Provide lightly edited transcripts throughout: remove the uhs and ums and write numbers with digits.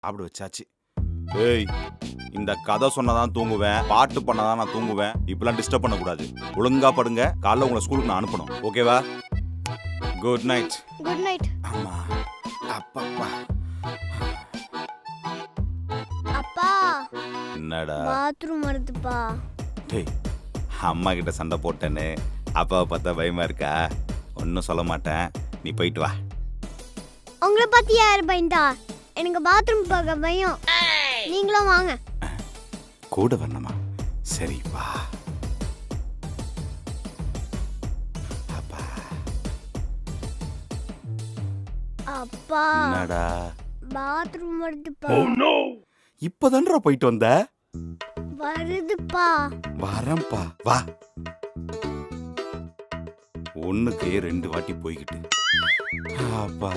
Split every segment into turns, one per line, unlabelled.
சாப்பிட வச்சாச்சு. ஏய், இந்த கதை சொன்னதான் தூங்குவேன், பாட்டு பண்ணதான் நான் தூங்குவேன். இப்பெல்லாம் டிஸ்டர்ப் பண்ணக்கூடாது. ஒழுங்கா படுங்க. காலைல உங்களை ஸ்கூலுக்கு நான் அனுப்பணும். ஓகேவா? Good night.
Good night.
அம்மா அப்பப்பா.
அப்பா
என்னடா?
பாத்ரூம் வருதுப்பா.
டேய், அம்மா கிட்ட சண்டை போட்டேன்னு அப்பாவை பார்த்தா பயமா இருக்கா? ஒன்றும் சொல்ல மாட்டேன், நீ போயிட்டு வா.
உங்களை பத்தி யார் பயந்தா? எனக்கு பாத்ரூம் போக பயம். நீங்களும் வாங்க.
கூட வரணுமா? சரி வா. அப்பா.
அப்பா
என்னடா?
பாத்ரூம் வருதுப்பா.
இப்பதான்டா போயிட்டு வந்த?
வருதுப்பா.
வரேன்பா, வா. ஒண்ணுக்கு 2 வாட்டி போய்கிட்டு. அப்பா.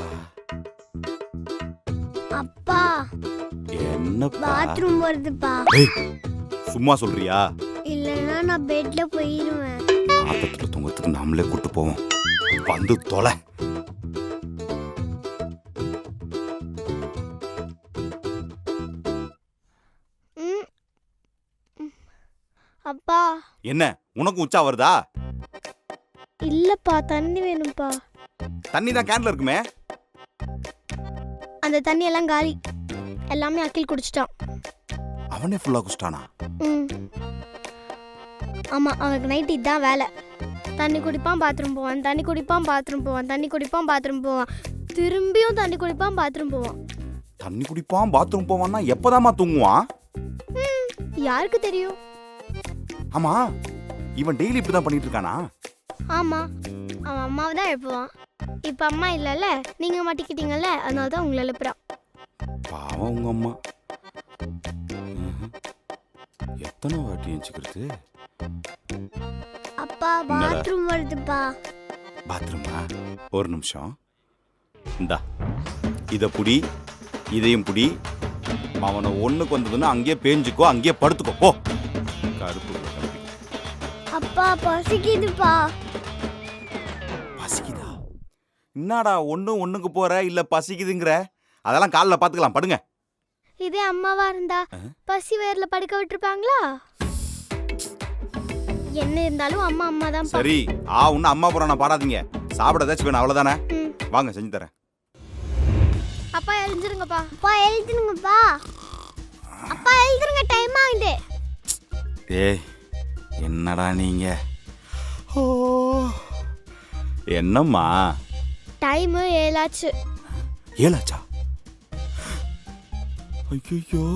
அப்பா
என்னப்பா?
பாத்ரூம் வருதுப்பா.
ஏய், சும்மா சொல்றியா?
இல்லைன்னா நான் பெட்ல போயிருவேன்.
ஆத்தத்துல தூங்கறதுக்கு நாமளே கூட்டு போவோம். வந்து தொலை.
ம். அப்பா
என்ன உனக்கு உச்சா வருதா?
இல்லப்பா, தண்ணி வேணும்ப்பா.
தண்ணி தான் கேன்ல இருக்குமே.
அந்த தண்ணி எல்லாம் காலி. எல்லாமே அக்கில் குடிச்சிட்டான்.
அவனே ஃபுல்லா குடிச்சிட்டானா?
ம். ஆமா, அவனுக்கு நைட் இதான் வேலை. தண்ணி குடிப்பான், பாத்ரூம் போவான், தண்ணி குடிப்பான், பாத்ரூம் போவான், தண்ணி குடிப்பான், பாத்ரூம் போவான், திரும்பியும் தண்ணி குடிப்பான், பாத்ரூம் போவான்.
தண்ணி குடிப்பான், பாத்ரூம் போவான்னா எப்பதாம்மா தூங்குவான்?
யாருக்கு தெரியும்?
ஆமா, இவன் டெய்லி இப்படிதான் பண்ணிட்டு இருக்கானா?
ஆமா, அவன் அம்மாவை தான் எழுப்புவான். இப்ப அம்மா இல்லைல்ல, நீங்க மாட்டிக்கிட்டீங்கல்ல, அதனால தான் உங்களை எழுப்புறான்.
பாவம் உங்க அம்மா. எத்தனை வாட்டி எஞ்சிக்கிறது?
அப்பா பாத்ரூம் வருதுப்பா.
பாத்ரூமா? ஒரு நிமிஷம். இந்தா, இத புடி, இதையும் புடி. அவனை ஒண்ணுக்கு வந்ததுன்னா அங்கேயே பேஞ்சுக்கோ, அங்கேயே படுத்துக்கோ. போ. கருப்பு கிளம்பி.
அப்பா பசிக்குதுப்பா.
பசிக்குதா? என்னடா ஒண்ணுக்கு போற இல்ல பசிக்குதுங்கிற? அதெல்லாம் காலைல பாத்துக்கலாம், படுங்க.
இதே அம்மாவா இருந்தா பசி வேர்ல படுக்க விட்டுருப்பாங்களா? என்ன இருந்தாலும் அம்மா அம்மா தான்.
சரி, உன்ன அம்மா புராணம் பாடாதீங்க. சாப்பிட ஏதாச்சும் வேணும், அவ்வளவுதானே? வாங்க செஞ்சு தரேன்.
அப்பா எழுந்துருங்கப்பா. அப்பா எழுந்துருங்கப்பா. அப்பா எழுந்துருங்க, டைம் ஆகுது.
ஏய், என்னடா நீங்க? ஓ, என்னம்மா?
டைம் 7 ஆச்சு.
7 ஆச்சா? ஐயோ,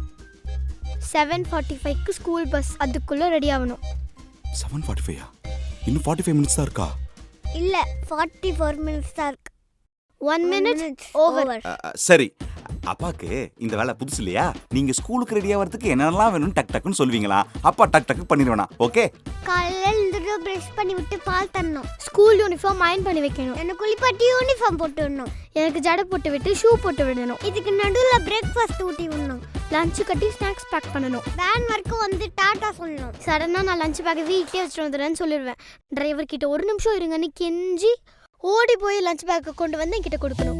7:45க்கு ஸ்கூல் பஸ். அதுக்குள்ள ரெடி ஆகணும்.
7:45? இன்னும் 45 மினிட்ஸ் தான் இருக்கா?
இல்ல, 44 மினிட்ஸ் தான் இருக்கு. 1 மினிட் ஓவர்.
சரி, அப்பாக்கு இந்த வேலை புதுசு இல்லையா? நீங்க ஸ்கூலுக்கு ரெடியா வரதுக்கு என்னெல்லாம் வேணும்னு டக் டக்குன்னு சொல்வீங்களா? அப்பா டக் டக்கு பண்ணிடுவேனா? ஓகே.
காலையில எழுந்துட்டு பிரஷ் பண்ணி விட்டு பால் தரணும். ஸ்கூல் யூனிஃபார்ம் அயர்ன் பண்ணி வைக்கணும். எனக்கு குளிப்பாட்டி யூனிஃபார்ம் போட்டு விடணும். எனக்கு ஜடை போட்டு விட்டு ஷூ போட்டு விடணும். இதுக்கு நடுவில் பிரேக்ஃபாஸ்ட் ஊட்டி விடணும். லஞ்ச் கட்டி ஸ்நாக்ஸ் பேக் பண்ணணும். வேன் வரைக்கும் வந்து டாட்டா சொல்லணும். சடனா நான் லஞ்ச் பேக் வீட்லயே வச்சுட்டு வந்துடுறேன்னு சொல்லிடுவேன். டிரைவர் கிட்ட 1 நிமிஷம் இருங்கன்னு கெஞ்சி ஓடி போய் லஞ்ச் பேக்கை கொண்டு வந்து என்கிட்ட கொடுக்கணும்.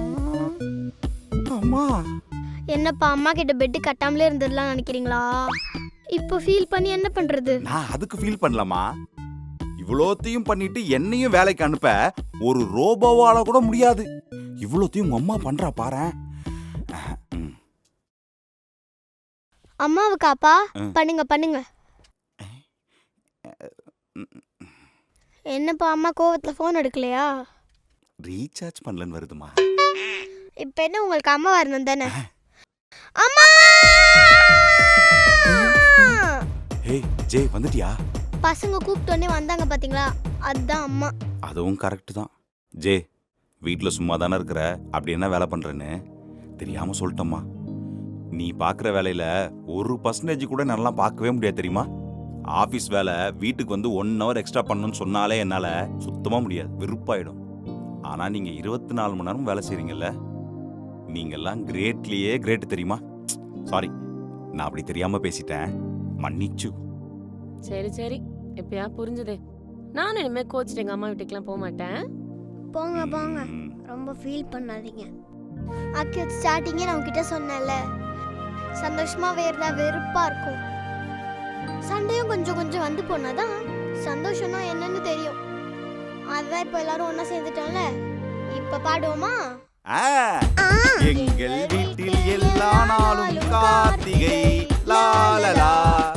அம்மா,
என்னப்பா அம்மா கிட்ட பெட் கட்டாமலே இருந்ததெல்லாம் நினைக்கிறீங்களா? இப்போ ஃபீல் பண்ணி என்ன பண்றது?
நான் அதுக்கு ஃபீல் பண்ணலாமா? இவ்வளோத்தையும் பண்ணிட்டு என்னையும் வேலைக்கு அனுப்ப ஒரு ரோபோவால கூட முடியாது. இவ்வளோத்தையும் உங்க அம்மா பண்றா பாரேன்.
அம்மாவுக்கு அப்பா பண்ணுங்க பண்ணுங்க. என்னப்பா அம்மா கோவத்துல ஃபோன் எடுக்கலையா?
ரீசார்ஜ் பண்ணலன்னு வருதுமா.
இப்போ என்ன உங்களுக்கு அம்மா வரணும் தானே? அம்மா!
ஏய் ஜே, வந்துட்டியா?
பசங்க கூப்பிட்டோன்னே வந்தாங்க பாத்தீங்களா, அதுதான் அம்மா.
அதுவும் கரெக்ட் தான். ஜே, வீட்டில் சும்மா தானே இருக்கிற, அப்படி என்ன வேலை பண்றேன்னு தெரியாம சொல்லிட்டம்மா. நீ பார்க்குற வேலையில 1% கூட நல்லா பார்க்கவே முடியாது தெரியுமா? ஆஃபீஸ் வேலை வீட்டுக்கு வந்து 1 ஹவர் எக்ஸ்ட்ரா பண்ணணும்னு சொன்னாலே என்னால் சுத்தமாக முடியாது, வெறுப்பாயிடும். ஆனால் நீங்கள் 24 மணி நேரம் வேலை செய்கிறீங்கல்ல, நீங்கள்லாம் கிரேட்லேயே கிரேட் தெரியுமா? சாரி, நான் அப்படி தெரியாமல் பேசிட்டேன், மன்னிச்சு.
சரி சரி, எப்பயா புரிஞ்சுதே. நானும் இனிமே கோச்சிட்டு எங்கள் அம்மா வீட்டுக்கெல்லாம் போக மாட்டேன்.
போங்க போங்க, ரொம்ப ஃபீல் பண்ணாதீங்க. ஆக்கி ஸ்டார்டிங்கே நான் உன்கிட்ட சொன்னேன்ல, சந்தோஷமா வேறதா வெறுப்பா இருக்கும். சண்டையும் கொஞ்சம் கொஞ்சம் வந்து போனாதான் சந்தோஷம்னா என்னன்னு தெரியும். அதுதான் இப்போ எல்லாரும் ஒண்ணா சேர்ந்துட்டோம்ல. இப்ப பாடுவோமா?
எங்கள் வீட்டில் எல்லா நாளும் காத்தி